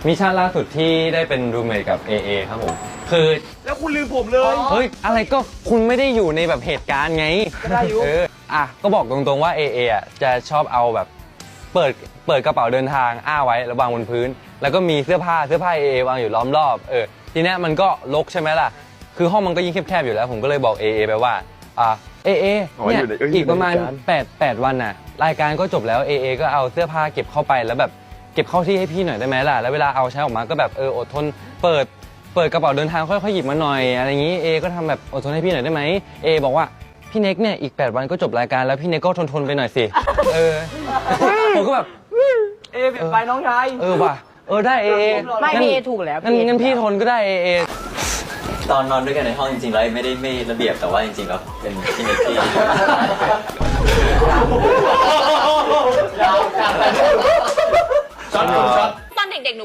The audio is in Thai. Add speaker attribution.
Speaker 1: มิชชั่นล่าสุดที่ได้เป็นรูมเมทกับ AA ครับผมคือ
Speaker 2: แล้วคุณลืมผมเลย
Speaker 1: เฮ้ยอะไรก็คุณไม่ได้อยู่ในแบบเหตุการณ์ไง
Speaker 2: ได้อยู่
Speaker 1: ก็บอกตรงๆว่า AA อ่ะจะชอบเอาแบบเปิดกระเป๋าเดินทางไว้แล้ววางบนพื้น แล้วก็มีเสื้อผ้า AA วางอยู่ล้อมรอบทีเนี้ยมันก็รกใช่ไหมล่ะคือห้องมันก็ยิ่งแคบๆอยู่แล้วผมก็เลยบอก AA ไปว่าAA เนี่ยอีกประมาณ8วันน่ะรายการก็จบแล้ว AA ก็เอาเสื้อผ้าเก็บเข้าไปแล้วแบบเก็บเข้าที่ให้พี่หน่อยได้ไหมล่ะแล้วเวลาเอาใช้ออกมาก็แบบอดทนเปิดกระเป๋าเดินทางค่อยๆหยิบมาหน่อยอะไรอย่างงี้ก็ทำแบบอดทนให้พี่หน่อยได้ไหมบอกว่าพี่เน็กเนี่ยอีก8วันก็จบรายการแล้วพี่เน็กก็ทนไปหน่อยสิผมก็แบบ
Speaker 2: เปลี่ยนไปน้องชาย
Speaker 1: ว่ะได้
Speaker 3: ไม่พี่เอถูกแล้ว
Speaker 1: งั้นพี่ทนก็ได้
Speaker 4: ตอนนอนด้วยกันในห้องจริงๆแล้วไม่ระเบียบแต่ว่าจริงๆแล้วเป็นพี่เน็กที่
Speaker 2: ช็อต
Speaker 5: ตอนเด็กๆ